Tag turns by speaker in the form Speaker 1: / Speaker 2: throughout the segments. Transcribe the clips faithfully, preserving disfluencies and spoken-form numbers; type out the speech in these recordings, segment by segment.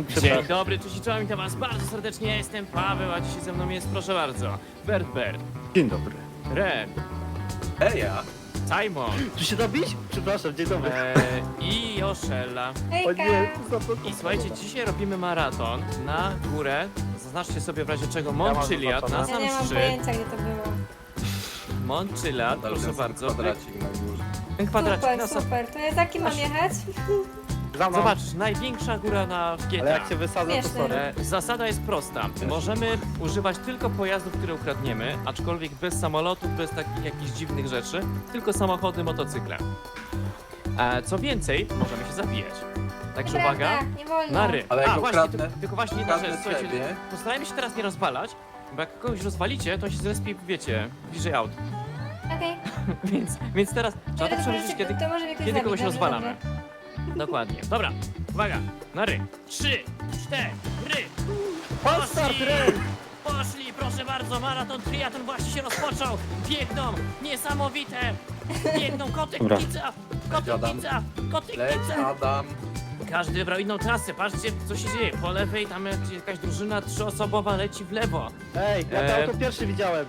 Speaker 1: Dzień dobry, cześć i czołem, witam was bardzo serdecznie, ja jestem Paweł, a dzisiaj ze mną jest, proszę bardzo, Bert Bert,
Speaker 2: Dzień dobry.
Speaker 1: Ren,
Speaker 3: Eja!
Speaker 1: Simon
Speaker 2: Tu się dobić? Przepraszam, dzień dobry.
Speaker 1: e, i Joszella.
Speaker 2: O
Speaker 4: Hejka!
Speaker 2: nie,
Speaker 1: I słuchajcie, dzisiaj robimy maraton na górę, zaznaczcie sobie w razie czego,
Speaker 2: mam
Speaker 1: Montchiliad, na
Speaker 2: zaznaczone.
Speaker 4: Ja
Speaker 1: sam
Speaker 4: nie mam
Speaker 1: szczyt,
Speaker 4: pojęcia, gdzie to było.
Speaker 1: Montchiliad, proszę bardzo,
Speaker 3: Kwadracik na górze.
Speaker 1: ten kwadracik
Speaker 4: Super,
Speaker 1: na sam...
Speaker 4: super. To jest jaki mam jechać?
Speaker 2: Za mną.
Speaker 1: Zobaczysz, największa góra na w G T A.
Speaker 2: Ale jak się wysadza, to
Speaker 4: Śmieszne.
Speaker 2: sorry.
Speaker 1: E, Zasada jest prosta. Możemy używać tylko pojazdów, które ukradniemy, aczkolwiek bez samolotów, bez takich jakichś dziwnych rzeczy, tylko samochody, motocykle. E, Co więcej, możemy się zabijać. Także uwaga,
Speaker 4: Nieprawda, nie wolno.
Speaker 1: na ry.
Speaker 3: Ale jak
Speaker 1: A, właśnie,
Speaker 3: ukradnę-
Speaker 1: ty, tylko właśnie jedna
Speaker 3: ukradnę
Speaker 1: rzecz, słuchajcie,
Speaker 3: ciebie.
Speaker 1: postarajmy się teraz nie rozwalać, bo jak kogoś rozwalicie, to się zrespi, wiecie, bliżej aut.
Speaker 4: Okej.
Speaker 1: Więc, więc teraz trzeba to
Speaker 4: To
Speaker 1: przemyśleć,
Speaker 4: może-
Speaker 1: kiedy,
Speaker 4: to może jakoś
Speaker 1: kiedy
Speaker 4: zabić,
Speaker 1: kogoś
Speaker 4: dobrze,
Speaker 1: rozwalamy.
Speaker 4: dobrze.
Speaker 1: Dokładnie. Dobra, uwaga, na ry. Trzy, cztery.
Speaker 2: Start,
Speaker 1: Poszli!
Speaker 2: Ren!
Speaker 1: Poszli, proszę bardzo, maraton triatlon właśnie się rozpoczął. Biegną, niesamowite. Biegną, kotek,
Speaker 2: Dobra.
Speaker 1: pizza, kotek,
Speaker 3: Siadam.
Speaker 1: pizza, kotek,
Speaker 3: Leć,
Speaker 1: pizza.
Speaker 3: Adam!
Speaker 1: Każdy wybrał inną trasę, patrzcie co się dzieje. Po lewej tam jakaś drużyna trzyosobowa leci w lewo.
Speaker 2: Ej, ja to
Speaker 1: E.
Speaker 2: auto pierwszy widziałem.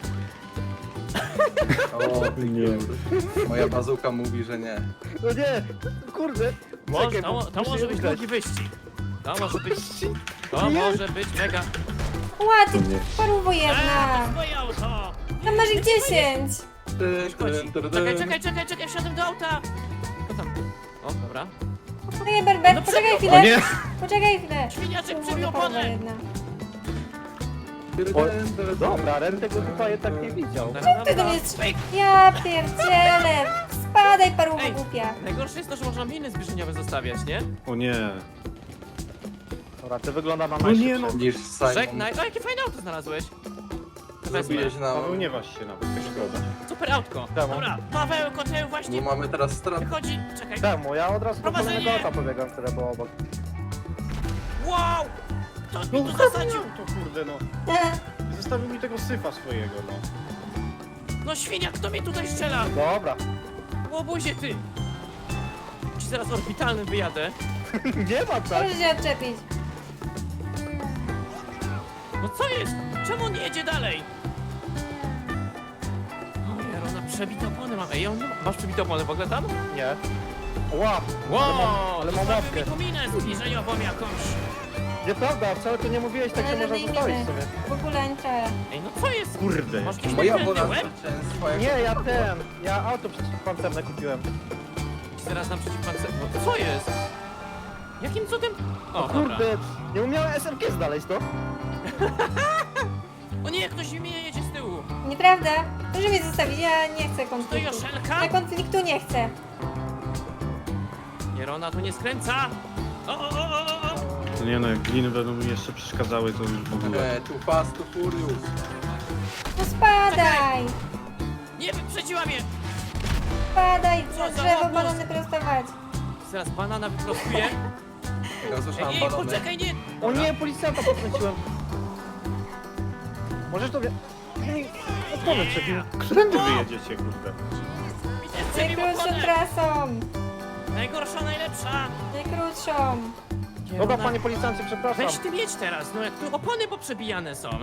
Speaker 3: O, ty nie. Moja bazuka mówi, że nie.
Speaker 2: No nie, kurde.
Speaker 1: Może,
Speaker 2: Czekaj,
Speaker 1: to,
Speaker 2: bo
Speaker 1: to
Speaker 2: muszę
Speaker 1: może
Speaker 2: je
Speaker 1: być
Speaker 2: ugrać.
Speaker 1: długi wyścig. To może być, to może być mega...
Speaker 4: Ła, ty
Speaker 2: nie.
Speaker 4: paruwo
Speaker 1: Eee, to
Speaker 4: jedna!
Speaker 1: jest moje auto!
Speaker 4: Tam masz ich dziesięć!
Speaker 3: Ty,
Speaker 1: Szkodzi.
Speaker 3: ty, ty, ty.
Speaker 1: Czekaj, czekaj, czekaj, czekaj, wsiadłem do auta! Co tam? O, dobra.
Speaker 4: Poczekaj, Berber,
Speaker 1: No
Speaker 4: poczekaj
Speaker 1: przebił-
Speaker 4: chwilę! Poczekaj chwilę!
Speaker 1: Świniaczek
Speaker 4: Kurwa,
Speaker 1: przebił
Speaker 4: paruwa
Speaker 1: oponę!
Speaker 4: jedna.
Speaker 3: Ty, ty,
Speaker 2: O,
Speaker 3: ty, ty, ty.
Speaker 2: dobra, Ren tego chyba jednak nie widział.
Speaker 1: Dobra,
Speaker 4: Ty do mnie
Speaker 1: dobra.
Speaker 4: strz- Ja pierdzielę! Spadaj, paruwo
Speaker 1: Ej.
Speaker 4: głupia!
Speaker 1: Najgorsze jest to, że można miny zbliżeniowe zostawiać, nie?
Speaker 5: O nie.
Speaker 2: Dobra, to wygląda na
Speaker 5: No
Speaker 2: najszybsze.
Speaker 5: nie no.
Speaker 3: Widzisz, Simon,
Speaker 1: Żegnaj. O, jakie fajne auto znalazłeś. Wezmę.
Speaker 3: zrobiłeś nam...
Speaker 5: Paweł nie waż się nawet, tak szkoda.
Speaker 1: Super autko.
Speaker 2: Czemu?
Speaker 1: Dobra, Paweł, koteł
Speaker 3: Bo
Speaker 1: właśnie
Speaker 3: mamy teraz stratę.
Speaker 1: wychodzi. Czekaj.
Speaker 2: Czemu? Ja od razu do
Speaker 1: Prowadzenie!
Speaker 2: kolejnego auta pobiegam, które było obok.
Speaker 1: Wow! Kto mi
Speaker 5: No
Speaker 1: tu zasadził?
Speaker 5: to kurde no. Zostawił mi tego syfa swojego no.
Speaker 1: No świnia, kto mi tutaj strzela?
Speaker 2: Dobra.
Speaker 1: Łobuzie ty! Ci zaraz orbitalnym wyjadę.
Speaker 2: Nie ma tak.
Speaker 4: Proszę się odczepić.
Speaker 1: No co jest? Czemu on nie jedzie dalej? O Jarona, przebite opony mam. Ej, on nie ma... Masz przebite opony w ogóle tam?
Speaker 2: Nie. Łap.
Speaker 1: Wow!
Speaker 2: Ale mam, ale mam
Speaker 1: zostawił
Speaker 2: łapkę.
Speaker 1: mi tu minę zbliżeniową jakąś.
Speaker 2: Nieprawda, wcale tu nie mówiłeś, tak
Speaker 4: Ale
Speaker 2: się można
Speaker 4: żadnej
Speaker 2: zostawić
Speaker 4: miny.
Speaker 2: sobie.
Speaker 4: W ogóle nie czaję.
Speaker 1: Ej, no co jest?
Speaker 5: Kurde.
Speaker 1: Masz jakiś
Speaker 3: Moja
Speaker 1: niepełny
Speaker 3: wola
Speaker 1: łeb?
Speaker 3: zwycięstwa jak...
Speaker 2: Nie, ja ten. Ja auto przeciwpancerne kupiłem.
Speaker 1: Ci zaraz naprzeciw pan... No, co jest? Jakim cudem? O, dobra.
Speaker 2: Kurde, nie umiałem S M G znaleźć to.
Speaker 1: O nie, ktoś mnie jedzie z tyłu.
Speaker 4: Nieprawda? Proszę mnie zostawić, ja nie chcę
Speaker 1: To
Speaker 4: konfliktu.
Speaker 1: Joszelka?
Speaker 4: Ja konfliktu nie chcę.
Speaker 1: Jarona tu nie skręca. O, o, o, o, o.
Speaker 5: No nie no, jak gliny będą mi jeszcze przeszkadzały, to już w ogóle.
Speaker 3: E, Too fast, too furious.
Speaker 4: No spadaj!
Speaker 1: Nie, wyprzedziła mnie.
Speaker 4: Spadaj,
Speaker 1: Co
Speaker 4: za
Speaker 1: za
Speaker 4: drzewo
Speaker 1: łobuz?
Speaker 4: balony prostować.
Speaker 1: Zaraz banana wyprostuję.
Speaker 3: Ja
Speaker 1: Ej,
Speaker 3: słyszałem
Speaker 1: ej,
Speaker 3: balony.
Speaker 1: poczekaj, nie.
Speaker 2: O
Speaker 1: Dobra.
Speaker 2: nie, policjanta podkręciłem. Możesz to wie... Ej, Opony przebił.
Speaker 5: Którędy wy jedziecie, kurde?
Speaker 1: Widzę, przebił
Speaker 4: Najkrótszą
Speaker 1: oponę.
Speaker 4: trasą.
Speaker 1: Najgorsza, najlepsza.
Speaker 4: Najkrótszą.
Speaker 2: Dobra, panie policjancie, przepraszam.
Speaker 1: Weź ty mieć teraz, no jak tu opony poprzebijane są.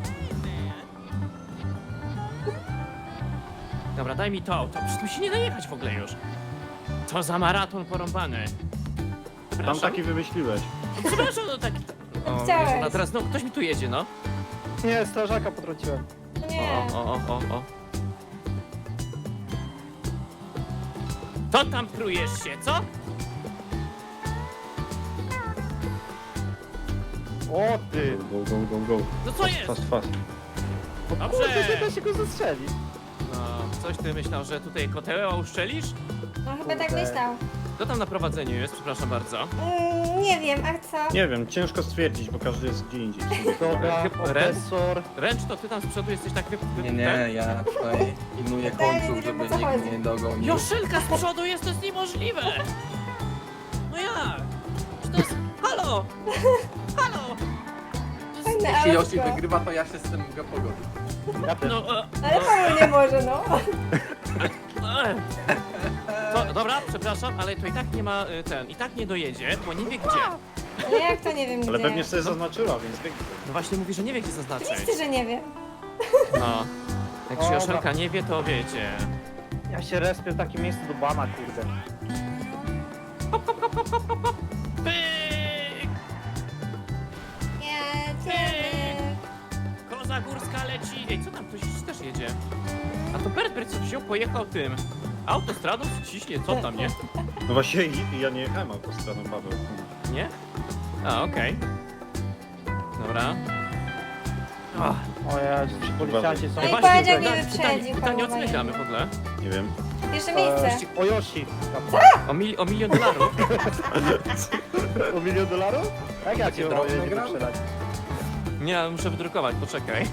Speaker 1: Dobra, daj mi to, to przecież tu się nie da jechać w ogóle już. Co za maraton porąbany.
Speaker 5: Tam
Speaker 1: Przepraszam,
Speaker 5: taki wymyśliłeś.
Speaker 1: przepraszam, no taki... O,
Speaker 4: Chciałeś.
Speaker 1: Jezu, no teraz, no ktoś mi tu jedzie, no.
Speaker 2: Nie, strażaka potrąciłem.
Speaker 4: No nie.
Speaker 1: O, o, o, o, o. To tam prujesz się, co?
Speaker 2: O ty!
Speaker 5: Go, go, go, go, go.
Speaker 1: No co jest?
Speaker 5: Fast, fast.
Speaker 2: O
Speaker 1: Dobrze.
Speaker 2: kurde, nie da się go zastrzelić.
Speaker 1: No, coś ty myślał, że tutaj koteła uszczelisz?
Speaker 4: No chyba tak
Speaker 2: Kurde.
Speaker 4: myślał.
Speaker 1: Kto tam na prowadzeniu jest? Przepraszam bardzo.
Speaker 4: Mm, nie wiem, a co?
Speaker 5: Nie wiem, ciężko stwierdzić, bo każdy jest gdzie indziej.
Speaker 2: Dobra,
Speaker 1: Chyba-
Speaker 2: profesor.
Speaker 1: Ręcz, to ty tam z przodu jesteś tak wy... wy-
Speaker 3: Nie,
Speaker 1: ten?
Speaker 3: nie, ja tutaj pilnuję
Speaker 4: Totalnie
Speaker 3: końców,
Speaker 4: nie wiem,
Speaker 3: żeby
Speaker 4: o co
Speaker 3: nikt
Speaker 4: chodzi.
Speaker 3: mnie nie dogonił.
Speaker 1: Joszelka z przodu jest, to jest niemożliwe! No jak? Czy to jest... Halo! Halo! To jest...
Speaker 4: Fajne
Speaker 3: Jeśli Yoshi
Speaker 4: autko.
Speaker 3: wygrywa, to ja się z tym mogę pogodzić.
Speaker 2: Ja też.
Speaker 1: No, e,
Speaker 4: Ale Paweł nie może, no.
Speaker 1: e. To, dobra, przepraszam, ale to i tak nie ma e, ten, i tak nie dojedzie, bo nie wie gdzie.
Speaker 4: Ale jak to nie wiem gdzie?
Speaker 5: Ale pewnie sobie zaznaczyła, więc wie.
Speaker 1: No właśnie mówi, że nie wie gdzie zaznaczyć.
Speaker 4: Oczywiście, że nie wiem.
Speaker 1: No. Jak się
Speaker 2: Dobra.
Speaker 1: Joszelka nie wie, to wiecie.
Speaker 2: Ja się respię w takim miejscu do bana, kurde.
Speaker 1: Pyk!
Speaker 4: Jedziemy.
Speaker 1: Koza górska leci. Ej, co tam? Ktoś też jedzie. A to Bert Bert co wziął, pojechał tym autostradą, ciśnie, co tam, nie?
Speaker 5: No właśnie i- ja nie jechałem autostradą, Paweł.
Speaker 1: Nie? A, okej. Dobra. Ach,
Speaker 2: O Jezu, ci policjanci są...
Speaker 4: No i
Speaker 1: właśnie,
Speaker 4: powiedział,
Speaker 1: pyta-
Speaker 4: nie
Speaker 1: pytanie,
Speaker 4: wyprzedził,
Speaker 1: pytanie o co
Speaker 4: połowa
Speaker 1: my gramy w
Speaker 4: jedna.
Speaker 1: ogóle?
Speaker 5: Nie wiem.
Speaker 4: Pierwsze miejsce.
Speaker 2: E, o Yoshi.
Speaker 1: O, mil, o milion dolarów?
Speaker 2: O milion dolarów? Jak ja cię
Speaker 3: drobne
Speaker 2: mogę
Speaker 3: gra?
Speaker 2: wyprzedać?
Speaker 1: Nie, ale muszę wydrukować, poczekaj.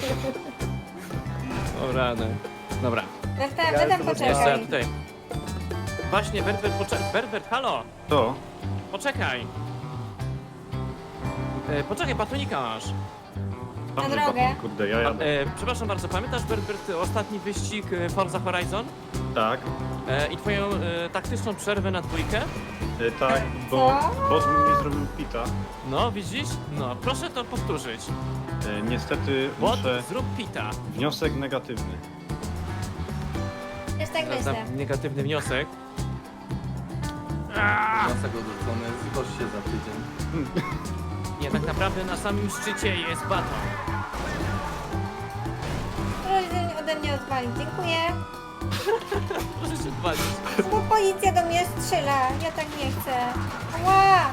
Speaker 1: O rany. Dobra,
Speaker 4: Berta,
Speaker 2: Ja
Speaker 4: Berta,
Speaker 2: jestem
Speaker 1: jeszcze ja
Speaker 4: poczekaj.
Speaker 1: tutaj. Właśnie, Berbert, poczekaj. Berbert, halo!
Speaker 5: To?
Speaker 1: Poczekaj! E, poczekaj, batonika masz.
Speaker 5: Tam
Speaker 4: Na
Speaker 5: nie
Speaker 4: drogę.
Speaker 5: baton, Kurde, ja jadę.
Speaker 1: E, przepraszam bardzo, pamiętasz Berbert ostatni wyścig e, Forza Horizon?
Speaker 5: Tak,
Speaker 1: E, I twoją e, taktyczną przerwę na dwójkę?
Speaker 5: e, tak, bo
Speaker 4: Co?
Speaker 5: boss mi zrobił pita.
Speaker 1: No, widzisz? No, proszę to powtórzyć.
Speaker 5: E, niestety
Speaker 1: Bot,
Speaker 5: muszę...
Speaker 1: zrób pita.
Speaker 5: Wniosek negatywny.
Speaker 4: Też tak
Speaker 1: Zaraz dam
Speaker 4: myślę.
Speaker 1: negatywny wniosek.
Speaker 3: Wniosek odrzucony, zgłoś się za tydzień.
Speaker 1: Nie, tak naprawdę na samym szczycie jest baton.
Speaker 4: Proszę ode mnie odwalić. Dziękuję.
Speaker 1: Proszę się odwalić.
Speaker 4: Bo policja do mnie strzela. Ja tak nie chcę. Ła!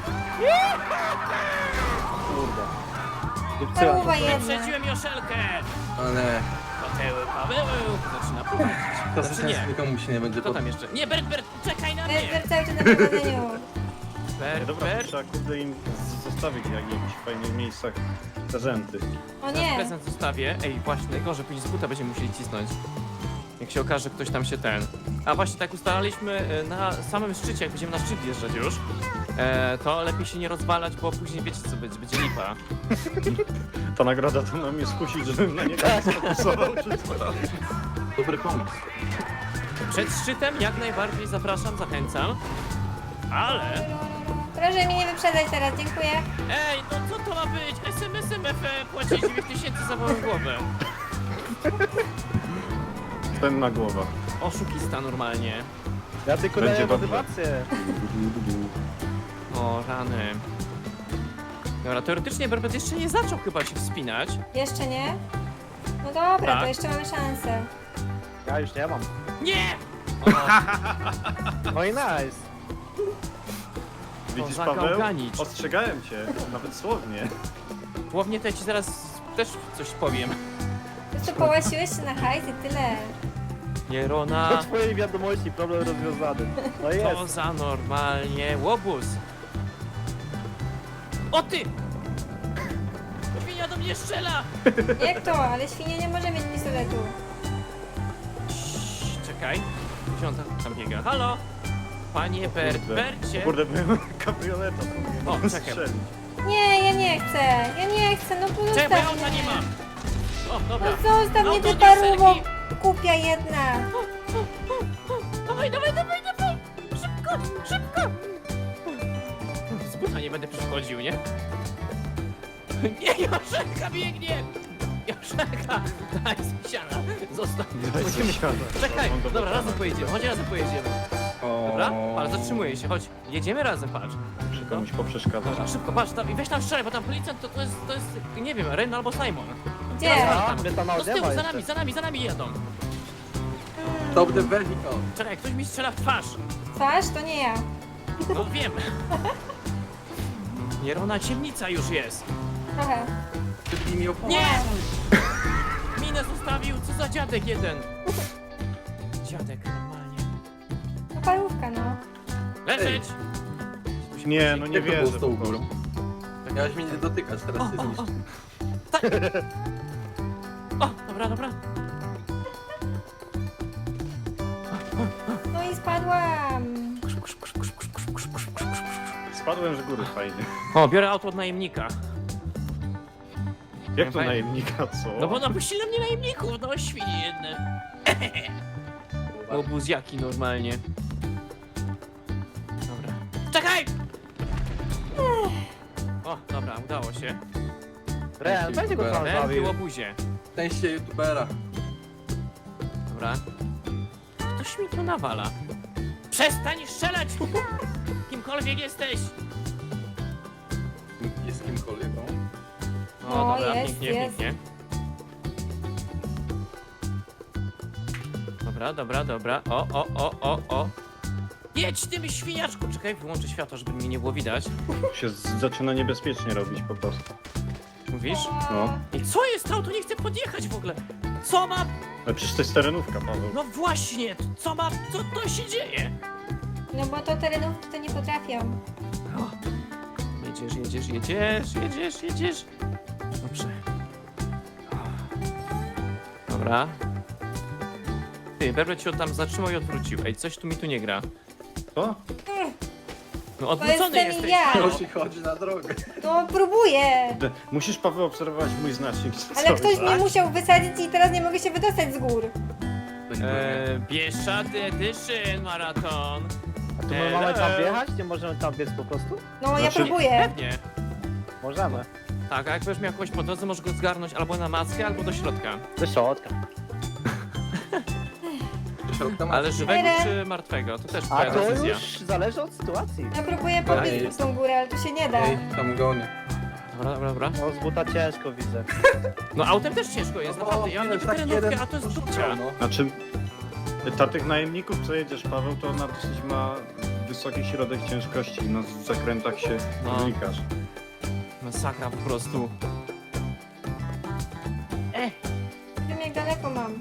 Speaker 2: Kurde. Wypsyłam
Speaker 4: Paruwa
Speaker 2: się.
Speaker 4: jedna.
Speaker 1: Wyprzedziłem Joszelkę!
Speaker 3: Ale
Speaker 1: Paweł, Paweł! Zaczyna prowadzić.
Speaker 3: to
Speaker 1: Znaczy
Speaker 3: sens
Speaker 1: nie.
Speaker 3: nikomu się nie będzie
Speaker 1: Kto tam jeszcze? Nie, Bert, Bert, czekaj na mnie!
Speaker 4: Berber cały czas na prowadzeniu.
Speaker 5: E,
Speaker 1: Bert,
Speaker 5: dobra,
Speaker 1: Bert.
Speaker 5: trzeba kurde im z- zostawić jak w jakichś fajnych miejscach prezenty.
Speaker 4: O
Speaker 1: Teraz
Speaker 4: nie.
Speaker 1: prezent zostawię. Ej, właśnie, najgorzej, później z buta będziemy musieli cisnąć. Jak się okaże, ktoś tam się ten... A właśnie, tak ustalaliśmy e, na samym szczycie, jak będziemy na szczyt wjeżdżać już, e, to lepiej się nie rozwalać, bo później wiecie co będzie, będzie lipa.
Speaker 5: Ta nagroda to ma mnie skusić, żebym na niego nie sfokusował czy co.
Speaker 3: dobry pomysł.
Speaker 1: Przed szczytem jak najbardziej zapraszam, zachęcam. Ale...
Speaker 4: Proszę mnie nie wyprzedzać teraz. Dziękuję.
Speaker 1: Ej, no co to ma być? S M S M F płaci dziewięć tysięcy za moją głowę.
Speaker 5: Ten na głowa.
Speaker 1: Oszukista normalnie.
Speaker 2: Ja tylko
Speaker 5: Będzie
Speaker 2: daję
Speaker 5: dobrze.
Speaker 2: motywację.
Speaker 1: O, rany. Dobra, teoretycznie Berbet jeszcze nie zaczął chyba się wspinać.
Speaker 4: Jeszcze nie? No dobra,
Speaker 1: Tak.
Speaker 4: to jeszcze mamy szansę.
Speaker 2: Ja już nie mam.
Speaker 1: Nie! O,
Speaker 2: No i nice.
Speaker 5: Widzisz,
Speaker 1: za
Speaker 5: Paweł?
Speaker 1: gałganicz.
Speaker 5: Ostrzegałem cię, nawet słownie.
Speaker 1: Głównie to ja ci zaraz też coś powiem.
Speaker 4: Po prostu połasiłeś się na hajs i tyle.
Speaker 1: Nie,
Speaker 2: Po
Speaker 1: Rona,
Speaker 2: twojej wiadomości problem rozwiązany. No
Speaker 1: to
Speaker 2: jest.
Speaker 1: za normalnie łobuz. O ty! Świnia do mnie strzela!
Speaker 4: Jak to? Ale świnia nie może mieć pistoletu.
Speaker 1: Cii, czekaj. Gdzie on tam, tam biega? Halo? Panie Bert,
Speaker 5: Kurde.
Speaker 1: Bercie!
Speaker 5: O kurde, byłem kabrioleta, to
Speaker 1: O,
Speaker 5: mnie
Speaker 1: czekaj.
Speaker 5: strzelić.
Speaker 4: Nie, ja nie chcę. Ja nie chcę, no pozostaw
Speaker 1: Czekaj, bo ja auta
Speaker 4: mnie.
Speaker 1: nie mam! O,
Speaker 4: No
Speaker 1: dobra.
Speaker 4: zostaw mnie,
Speaker 1: Auto
Speaker 4: ty
Speaker 1: do
Speaker 4: paruwo.
Speaker 1: Joszelki.
Speaker 4: Kupia jedna.
Speaker 1: Dawaj, dawaj, dawaj, dawaj! Szybko, szybko! Z buta nie będę przychodził, nie? Nie, Joszelka biegnie! Joszelka! Daj spisiana! Zostaw! Musimy... Czekaj, dobra, razem pojedziemy, chodź razem pojedziemy. Dobra? Ale zatrzymuję się, chodź. Jedziemy razem, patrz.
Speaker 5: Muszę komuś poprzeszkadzać.
Speaker 1: Dobra, szybko, patrz, tam, i weź tam strzelaj, bo tam policjant to, to jest, to jest, nie wiem, Ren albo Simon.
Speaker 4: Gdzie?
Speaker 2: A, mnie tam
Speaker 1: No z tyłu,
Speaker 2: odjeba
Speaker 1: za
Speaker 2: jeszcze.
Speaker 1: nami, za nami, za nami jadą.
Speaker 3: Stop the vehicle.
Speaker 1: Czekaj, ktoś mi strzela w twarz.
Speaker 4: Twarz? To nie ja.
Speaker 1: No wiem. Nierona ciemnica już jest.
Speaker 4: Trochę.
Speaker 3: Ty mi opon.
Speaker 1: Nie! Minę zostawił, co za dziadek jeden. Dziadek, normalnie.
Speaker 4: No parówka, no.
Speaker 1: Leżeć!
Speaker 5: Nie, no nie
Speaker 3: Jak to było
Speaker 5: wierzę
Speaker 3: z
Speaker 5: po
Speaker 3: tą
Speaker 5: prostu.
Speaker 3: górą? Miałeś mnie nie dotykać, teraz się zniszczy.
Speaker 1: Tak! O, dobra, dobra.
Speaker 4: No i spadłam.
Speaker 5: Spadłem z góry, fajnie.
Speaker 1: O, biorę auto od najemnika.
Speaker 5: Jak to
Speaker 1: Fajnie.
Speaker 5: najemnika, co?
Speaker 1: No bo napuścili na mnie najemników, no świnie jedne. Obuziaki normalnie. Dobra. Czekaj! O, dobra, udało się.
Speaker 2: Ren, będzie go tam
Speaker 1: Ręki
Speaker 2: zabił.
Speaker 1: łobuzie.
Speaker 3: Szczęście youtubera.
Speaker 1: Dobra. Ktoś mi tu nawala. Przestań strzelać! Kimkolwiek jesteś!
Speaker 3: Jest kimkolwiek, no.
Speaker 1: O,
Speaker 4: O,
Speaker 1: dobra,
Speaker 4: jest,
Speaker 1: pięknie,
Speaker 4: jest.
Speaker 1: pięknie. Dobra, dobra, dobra. O, o, o, o, o. Jedź tym świniaczku! Czekaj, wyłączę światło, żeby mnie nie było widać.
Speaker 5: Się z- zaczyna niebezpiecznie robić po prostu.
Speaker 1: Mówisz?
Speaker 5: No.
Speaker 1: I co jest? Auto nie chce podjechać w ogóle. Co ma...
Speaker 5: Ale przecież to jest terenówka, Paweł.
Speaker 1: No właśnie, co ma... Co to się dzieje?
Speaker 4: No bo to terenówki to nie potrafią.
Speaker 1: O. Jedziesz, jedziesz, jedziesz, jedziesz, jedziesz. Dobrze. Dobra. Ty, Berbert się tam zatrzymał i odwrócił. Ej, coś tu mi tu nie gra.
Speaker 5: Co?
Speaker 1: No odwrócony
Speaker 4: jestem
Speaker 1: jesteś.
Speaker 4: ja.
Speaker 1: halo.
Speaker 3: Prosi chodzi na drogę.
Speaker 4: No próbuję.
Speaker 5: De- Musisz, Paweł, obserwować mój znacznik.
Speaker 4: Ale
Speaker 5: cały
Speaker 4: ktoś
Speaker 5: czas.
Speaker 4: mnie musiał wysadzić i teraz nie mogę się wydostać z gór.
Speaker 1: Eee, Bieszczady Edition Maraton.
Speaker 2: A tu my mamy
Speaker 1: Hello.
Speaker 2: tam wjechać? Nie możemy tam biec po prostu?
Speaker 4: No ja
Speaker 5: Znaczy-
Speaker 4: próbuję.
Speaker 1: Pewnie.
Speaker 2: Możemy.
Speaker 1: Tak, a jak będziesz miał kogoś po drodze, możesz go zgarnąć albo na mackę, albo do środka.
Speaker 2: Do środka.
Speaker 3: Do środka ma.
Speaker 1: Ale żywego
Speaker 4: Tyle.
Speaker 1: czy martwego? To też
Speaker 2: A
Speaker 1: twoja
Speaker 2: to
Speaker 1: decyzja.
Speaker 2: już zależy od sytuacji.
Speaker 4: Ja próbuję
Speaker 3: Ej.
Speaker 4: pobiec pod tą górę, ale tu się nie da.
Speaker 3: Ej, tam gonię.
Speaker 1: Dobra, dobra, dobra.
Speaker 2: No z buta ciężko widzę.
Speaker 1: No autem też ciężko jest, naprawdę. Ja mam niby terenówkę, a to jest dupcia.
Speaker 3: No.
Speaker 5: Znaczy, ta tych najemników, co jedziesz, Paweł, to ona dosyć ma wysoki środek ciężkości. Na zakrętach się
Speaker 1: No.
Speaker 5: znikasz.
Speaker 1: Masakra po prostu. E,
Speaker 4: Wiem jak daleko mam.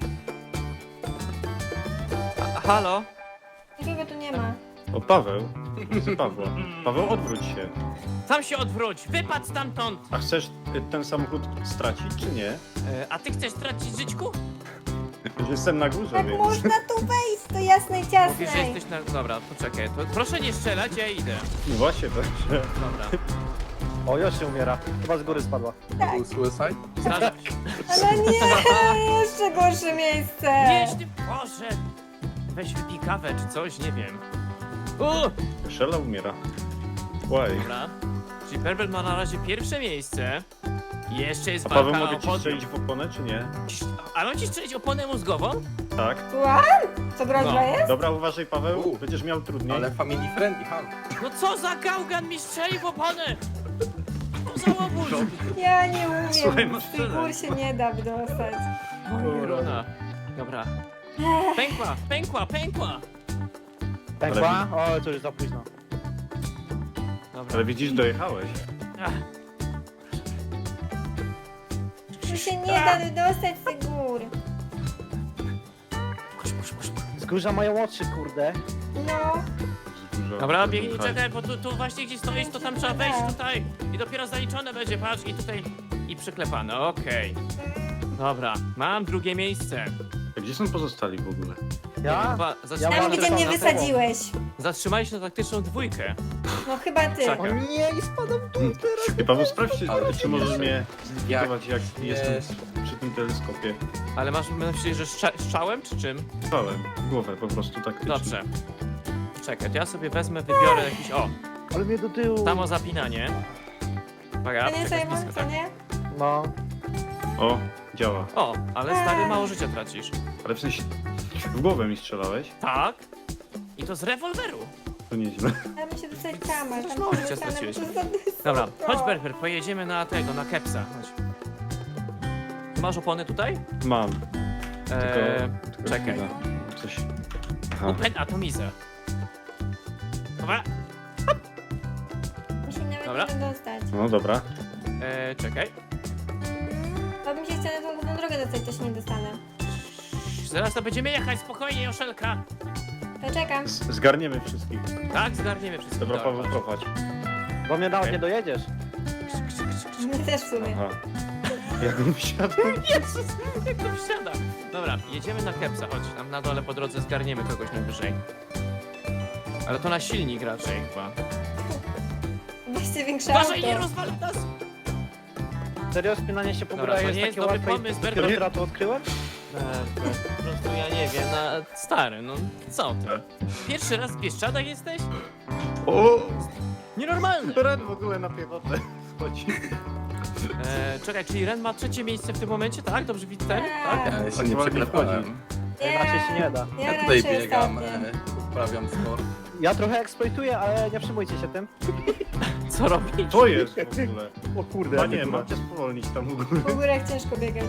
Speaker 1: a, halo?
Speaker 4: Nikogo tu nie ma.
Speaker 5: O, Paweł. Widzę Pawła. Paweł, odwróć się.
Speaker 1: Tam się odwróć, wypadł stamtąd!
Speaker 5: A chcesz y, ten samochód stracić, czy nie?
Speaker 1: E, a ty chcesz stracić żyćku?
Speaker 5: Jestem na górze,
Speaker 4: Jak
Speaker 5: więc...
Speaker 4: można tu wejść do jasnej
Speaker 1: Mówisz, że
Speaker 4: ciasnej?
Speaker 1: jesteś na... Dobra, poczekaj. To proszę nie strzelać, ja idę.
Speaker 5: No właśnie, także...
Speaker 1: Dobra.
Speaker 2: O, już się umiera. Chyba z góry spadła.
Speaker 3: To był suicide?
Speaker 1: Zdarza się.
Speaker 4: Ale nie, jeszcze gorsze miejsce.
Speaker 1: Jedź ty, Boże! Weź wypij kawę czy coś, nie wiem. U!
Speaker 5: Szela umiera. Łaj.
Speaker 1: Dobra. Czyli Berbert ma na razie pierwsze miejsce. Jeszcze jest
Speaker 5: A Paweł,
Speaker 1: walka
Speaker 5: mogę
Speaker 1: o
Speaker 5: ci
Speaker 1: podium.
Speaker 5: strzelić w oponę, czy nie?
Speaker 1: A mam ci strzelić oponę mózgową?
Speaker 5: Tak.
Speaker 4: Słucham? Co groźba
Speaker 1: No.
Speaker 4: jest?
Speaker 5: Dobra, uważaj, Paweł,
Speaker 3: U.
Speaker 5: będziesz miał trudniej.
Speaker 3: Ale family friendly, halo.
Speaker 1: No co za gałgan mi strzeli w oponę! Co za łobuz!
Speaker 4: Ja nie
Speaker 5: Słuchaj,
Speaker 4: umiem.
Speaker 5: masz
Speaker 4: Z tych
Speaker 5: tyle.
Speaker 4: gór się nie da wydostać.
Speaker 1: Runa. Dobra. Pękła, pękła, pękła!
Speaker 2: Pękła? O, to już za późno.
Speaker 1: Dobra.
Speaker 5: Ale widzisz, dojechałeś.
Speaker 1: Ach,
Speaker 4: Tu się nie da wydostać z tych gór.
Speaker 1: pusz, pusz, pusz.
Speaker 2: Wzgórza mają oczy, kurde.
Speaker 4: No,
Speaker 5: Dużo-
Speaker 1: Dobra,
Speaker 5: dużo
Speaker 1: biegnij,
Speaker 5: hajsu.
Speaker 1: czekaj, bo tu, tu właśnie gdzieś stoisz, to tam trzeba wejść tutaj. I dopiero zaliczone będzie, patrz, i tutaj... I przyklepane, okej. Dobra, mam drugie miejsce.
Speaker 5: A gdzie są pozostali w ogóle?
Speaker 2: Ja?
Speaker 1: Chyba
Speaker 2: Ja
Speaker 1: zatrzymali,
Speaker 2: mam
Speaker 4: tam
Speaker 1: się,
Speaker 4: gdzie mnie
Speaker 2: na
Speaker 4: wysadziłeś.
Speaker 1: zatrzymali się na taktyczną dwójkę.
Speaker 4: No chyba ty.
Speaker 1: Czekaj.
Speaker 2: O nie, i spadam tu teraz.
Speaker 5: I Paweł, sprawdź,
Speaker 3: Ale
Speaker 5: czy możesz mnie zlikwidować, jak
Speaker 3: Jak
Speaker 5: jestem
Speaker 3: jest.
Speaker 5: przy tym teleskopie.
Speaker 1: Ale masz myśli, że strza strzałem, czy czym?
Speaker 5: Spałem w głowę po prostu taktycznie.
Speaker 1: Dobrze. Czekaj, to ja sobie wezmę, wybiorę jakiś... O,
Speaker 2: Ale mnie do tyłu.
Speaker 1: samo zapinanie. Uwaga,
Speaker 4: To nie
Speaker 1: czekaj,
Speaker 4: Simon,
Speaker 1: blisko,
Speaker 4: co
Speaker 1: tak.
Speaker 4: nie?
Speaker 2: No.
Speaker 5: O, działa.
Speaker 1: O, ale stary, mało życia tracisz.
Speaker 5: Ale w sensie, w głowę mi strzelałeś?
Speaker 1: Tak? I to z rewolweru.
Speaker 5: To nieźle.
Speaker 4: Ja bym się dostać tam, ale
Speaker 1: Też
Speaker 4: tam
Speaker 1: mało życia
Speaker 4: zostanę,
Speaker 1: straciłeś.
Speaker 4: bo to za wysoko.
Speaker 1: Dobra, chodź Berber, pojedziemy na tego, na kepsa. Chodź. Masz opony tutaj?
Speaker 5: Mam. Tylko,
Speaker 1: Eee,
Speaker 5: tylko
Speaker 1: czekaj.
Speaker 5: chwila. Coś... Aha.
Speaker 1: Open atomizę. Dobra,
Speaker 4: Mi się nawet
Speaker 1: Dobra.
Speaker 4: nie da dostać.
Speaker 5: No dobra.
Speaker 1: eee, czekaj.
Speaker 4: Bo bym się chciała na tą główną drogę dostać, też nie dostanę.
Speaker 1: Zaraz to będziemy jechać, spokojnie, Joszelka.
Speaker 4: To czekam.
Speaker 5: Z zgarniemy wszystkich.
Speaker 1: Tak, zgarniemy wszystko.
Speaker 5: Dobra, Paweł,
Speaker 1: chodź.
Speaker 5: prowadź.
Speaker 2: Bo mnie nawet
Speaker 1: Okej.
Speaker 2: nie dojedziesz.
Speaker 4: My też w sumie.
Speaker 5: Aha. Jakbym wsiadł.
Speaker 1: Jezus, jak to wsiada. Dobra, jedziemy na kepsa, chodź. Tam na dole po drodze zgarniemy kogoś najwyżej. Ale to na silnik raczej chyba.
Speaker 4: Weźcie większe
Speaker 1: Uważaj, nie
Speaker 4: auto.
Speaker 1: rozwal nas!
Speaker 2: Serio, spinanie się po
Speaker 1: Dobra,
Speaker 2: górach
Speaker 1: to
Speaker 2: jest
Speaker 1: nie jest
Speaker 2: takie
Speaker 1: dobry
Speaker 2: łatwe
Speaker 1: pomysł,
Speaker 2: i
Speaker 1: Berber.
Speaker 2: dopiero to odkryłem?
Speaker 1: Eee, po prostu ja nie wiem, na... stary, no co ty? Pierwszy raz w Bieszczadach jesteś?
Speaker 5: O!
Speaker 1: Nienormalne!
Speaker 5: Red w ogóle na piechotę. chodzi.
Speaker 1: E, czekaj, czyli Ren ma trzecie miejsce w tym momencie, tak? Dobrze widzę? Tak?
Speaker 4: Tak.
Speaker 3: Ja jeszcze
Speaker 5: Tak
Speaker 3: nie
Speaker 5: ładnie
Speaker 3: przeklepałem.
Speaker 2: Inaczej się nie da.
Speaker 4: Ja,
Speaker 3: Ja tutaj
Speaker 4: raczej
Speaker 3: biegam,
Speaker 4: ostatnia.
Speaker 3: e, uprawiam sport.
Speaker 2: Ja trochę eksploituję, ale nie przejmujcie się tym.
Speaker 1: Co robić?
Speaker 5: To jest w ogóle.
Speaker 2: O kurde,
Speaker 5: Chyba
Speaker 2: jakie
Speaker 5: nie,
Speaker 2: tu
Speaker 5: mam cię spowolnić tam u góry.
Speaker 4: Po górach ciężko biegać.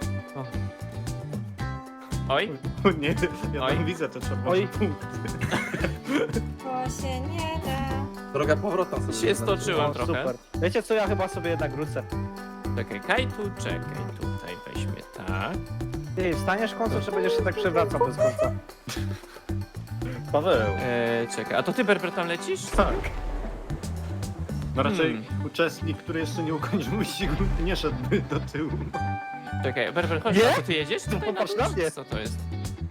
Speaker 1: Oj,
Speaker 5: O nie, ja
Speaker 1: Oj.
Speaker 5: tam widzę te czerwone
Speaker 2: Oj.
Speaker 5: punkty.
Speaker 4: To się nie da.
Speaker 3: Droga powrotna sobie
Speaker 1: się
Speaker 3: zaznaczyłem.
Speaker 1: stoczyłem
Speaker 2: O,
Speaker 1: trochę.
Speaker 2: super. Wiecie co, ja chyba sobie jednak wrócę.
Speaker 1: Czekaj, Kajtu, czekaj, tutaj weźmy tak.
Speaker 2: Ty, wstaniesz w końcu, czy będziesz się tak przewracał bez końca?
Speaker 5: Paweł.
Speaker 1: E, czekaj, a to ty, Berber, tam lecisz?
Speaker 5: Tak. No raczej
Speaker 1: Hmm.
Speaker 5: uczestnik, który jeszcze nie ukończył wyścigu, nie szedłby do tyłu.
Speaker 1: Czekaj, Berber, chodź,
Speaker 2: Nie?
Speaker 1: a to ty jedziesz? Tutaj
Speaker 2: popatrz
Speaker 1: dół,
Speaker 2: na mnie.
Speaker 1: czy Co to jest?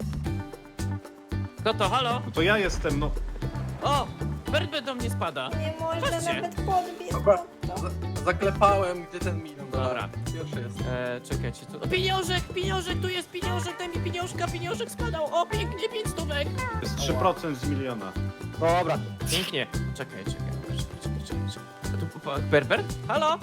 Speaker 1: Kto to, halo?
Speaker 5: No to ja jestem, no.
Speaker 1: O! Berber do mnie spada.
Speaker 4: Nie można
Speaker 1: Chodźcie.
Speaker 4: nawet podbiec.
Speaker 3: Dobra.
Speaker 4: pod to.
Speaker 3: Za- Zaklepałem, gdzie ten milion
Speaker 1: Dobra.
Speaker 3: dolarów. Już jest.
Speaker 1: E, czekajcie, tu... O, pieniążek, pieniążek, tu jest pieniążek, daj mi pieniążka, pieniążek spadał. O, pięknie, pięć stówek.
Speaker 5: To jest trzy procent z miliona.
Speaker 2: Dobra.
Speaker 1: Pięknie. Czekaj, czekaj, czekaj, czekaj, czekaj. czekaj. A tu, pa- Berber? Halo?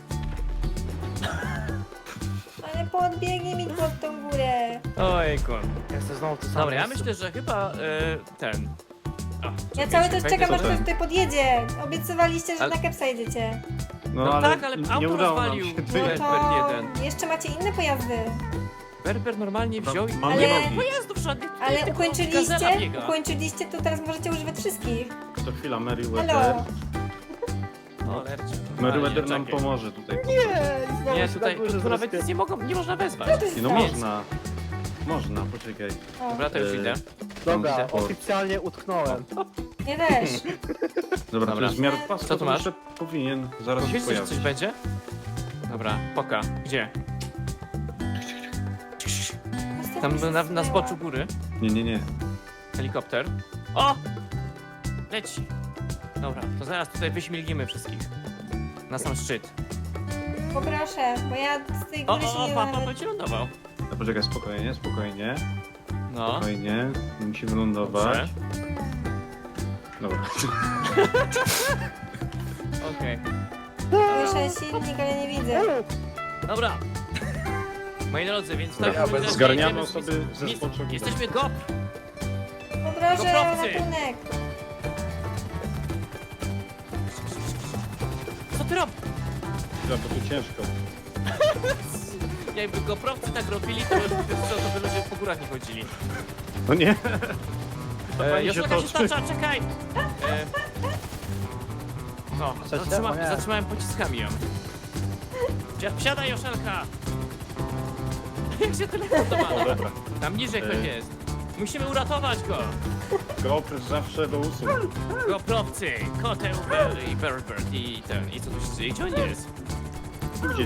Speaker 4: Ale podbiegnij mi pod tą górę.
Speaker 1: Ojku.
Speaker 2: Ja chcę znowu to samo.
Speaker 1: Dobra, ja
Speaker 2: miejsce.
Speaker 1: myślę, że chyba e, ten... O,
Speaker 4: Ja
Speaker 1: czekajcie,
Speaker 4: cały czas
Speaker 1: wejdę
Speaker 4: czekam, aż
Speaker 1: sobie.
Speaker 4: ktoś tutaj podjedzie. Obiecywaliście, że
Speaker 1: Ale-
Speaker 4: na kepsa jedziecie.
Speaker 5: No,
Speaker 1: No
Speaker 5: ale
Speaker 1: tak, ale
Speaker 5: nie
Speaker 1: auto
Speaker 5: udało nam
Speaker 1: rozwalił.
Speaker 5: się.
Speaker 1: No
Speaker 4: No
Speaker 1: Berber
Speaker 4: to
Speaker 1: jeden.
Speaker 4: jeszcze macie inne pojazdy.
Speaker 1: Berber normalnie wziął i...
Speaker 5: Mamy
Speaker 4: Ale-
Speaker 5: nogi.
Speaker 1: Pojazdów żadnych. tutaj
Speaker 4: Ale
Speaker 1: tylko
Speaker 4: ukończyliście,
Speaker 1: Gazela biega.
Speaker 4: ukończyliście, to teraz możecie używać wszystkich.
Speaker 5: To chwila, Meriwether.
Speaker 4: Halo.
Speaker 1: O, lercie.
Speaker 5: Meriwether
Speaker 1: A,
Speaker 5: nam
Speaker 1: nie, czekaj.
Speaker 5: pomoże tutaj.
Speaker 2: Nie, znowu
Speaker 1: Nie,
Speaker 2: się
Speaker 1: tutaj,
Speaker 2: na górze
Speaker 1: tu, tu nawet
Speaker 2: zrespię.
Speaker 1: nic nie mogą, nie można wezwać.
Speaker 4: Co to jest
Speaker 5: Nie, no
Speaker 4: za-
Speaker 5: można. Można, poczekaj.
Speaker 4: O,
Speaker 1: Dobra, to już
Speaker 5: E,
Speaker 1: idę.
Speaker 2: Dobra,
Speaker 5: Widzę.
Speaker 2: oficjalnie utknąłem.
Speaker 4: nie też.
Speaker 5: Dobra,
Speaker 1: Dobra.
Speaker 5: to jest zmiar pasu,
Speaker 1: Co tu masz?
Speaker 5: to powinien zaraz się
Speaker 1: Wiesz, że coś
Speaker 5: pojawić.
Speaker 1: będzie? Dobra, poka. Gdzie? Tam na, na zboczu góry.
Speaker 5: Nie, nie, nie.
Speaker 1: Helikopter. O! Leci. Dobra, to zaraz tutaj wyśmilgimy wszystkich. Na sam szczyt.
Speaker 4: Poproszę, bo ja z tej
Speaker 1: O,
Speaker 4: góry się
Speaker 1: o, o,
Speaker 4: nie
Speaker 1: papa
Speaker 4: dam.
Speaker 1: będzie lądował.
Speaker 5: No, poczekaj, spokojnie, spokojnie.
Speaker 1: No.
Speaker 5: Spokojnie. Musi wylądować.
Speaker 1: Dobrze.
Speaker 5: Dobra.
Speaker 1: Okej.
Speaker 4: Słyszę silnik, ale nie widzę.
Speaker 1: Dobra. Moi drodzy, więc
Speaker 3: Dobra,
Speaker 1: tak
Speaker 3: ja bez-
Speaker 1: jedziemy
Speaker 5: Zgarniamy
Speaker 1: z-
Speaker 5: sobie ze
Speaker 1: z-
Speaker 5: zboczu góry.
Speaker 1: Jesteśmy go.
Speaker 4: Poproszę
Speaker 1: Goprowcy.
Speaker 4: ratunek.
Speaker 1: Co ty robisz?
Speaker 5: Ja, bo tu ciężko.
Speaker 1: Jakby goprowcy tak robili, to, to, to by ludzie po górach nie chodzili.
Speaker 5: No nie. To
Speaker 1: E,
Speaker 5: pani się
Speaker 1: Joszelka się
Speaker 5: toczy.
Speaker 1: stacza, czekaj! E, no,
Speaker 2: Co się?
Speaker 1: zatrzyma,
Speaker 2: O nie.
Speaker 1: zatrzymałem pociskami ją. Wsia- Wsiadaj, Joszelka! Jak się teleportowała?
Speaker 5: Dobra.
Speaker 1: Tam niżej ktoś
Speaker 5: E.
Speaker 1: jest. Musimy uratować go!
Speaker 5: GoPro zawsze do usług.
Speaker 1: Goprowcy, koteł, Ber i Berbert i ten, i co tu się dzieje? Gdzie on jest?
Speaker 5: Tu gdzieś.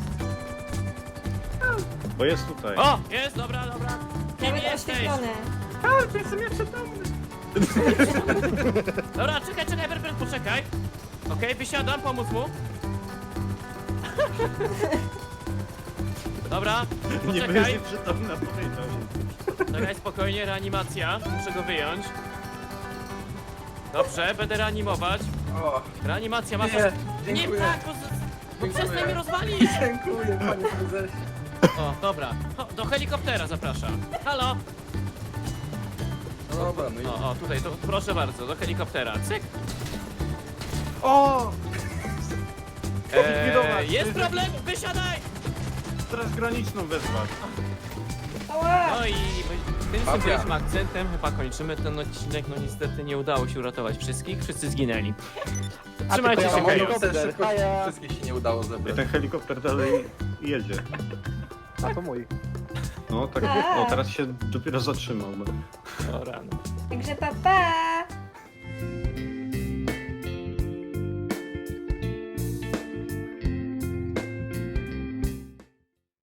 Speaker 5: Bo jest tutaj.
Speaker 1: O! Jest, dobra, dobra. Kim
Speaker 4: Nawet
Speaker 1: jesteś?
Speaker 4: oświetlone.
Speaker 1: Dobra, czekaj, czekaj, Berbert, poczekaj. Okej, wysiadam, pomóc mu. Dobra,
Speaker 5: Nie
Speaker 1: poczekaj.
Speaker 5: będzie przytomna, powiedział.
Speaker 1: Czekaj, spokojnie, reanimacja. Muszę go wyjąć. Dobrze, będę reanimować.
Speaker 3: O,
Speaker 1: Reanimacja, masz...
Speaker 3: nie,
Speaker 1: Nie
Speaker 3: dziękuję.
Speaker 1: tak, bo, z- bo
Speaker 3: Dziękuję.
Speaker 1: przestań mnie rozwalić.
Speaker 3: Dziękuję, panie prezesie.
Speaker 1: O, dobra. O, do helikoptera zapraszam. Halo.
Speaker 3: No dobra, no i...
Speaker 1: O, o, tutaj, to proszę bardzo, do helikoptera. Cyk.
Speaker 5: O!
Speaker 1: Eee,
Speaker 5: Zlikwidować.
Speaker 1: jest problem, wysiadaj.
Speaker 5: Straż graniczną wezwać.
Speaker 4: Ała!
Speaker 1: No i tym
Speaker 3: Mafia.
Speaker 1: symbolicznym akcentem chyba kończymy ten odcinek. No niestety nie udało się uratować wszystkich, wszyscy zginęli.
Speaker 2: A
Speaker 1: Trzymajcie
Speaker 2: tylko
Speaker 1: się,
Speaker 2: ja mam
Speaker 1: Chaos.
Speaker 2: helikopter.
Speaker 3: Też szybko
Speaker 2: A ja-
Speaker 3: wszystkich się nie udało
Speaker 5: I
Speaker 3: zebrać.
Speaker 5: ten helikopter dalej jedzie.
Speaker 2: A to mój.
Speaker 5: No tak,
Speaker 4: A.
Speaker 5: o teraz się dopiero zatrzymał.
Speaker 1: O rano.
Speaker 4: Także pa pa!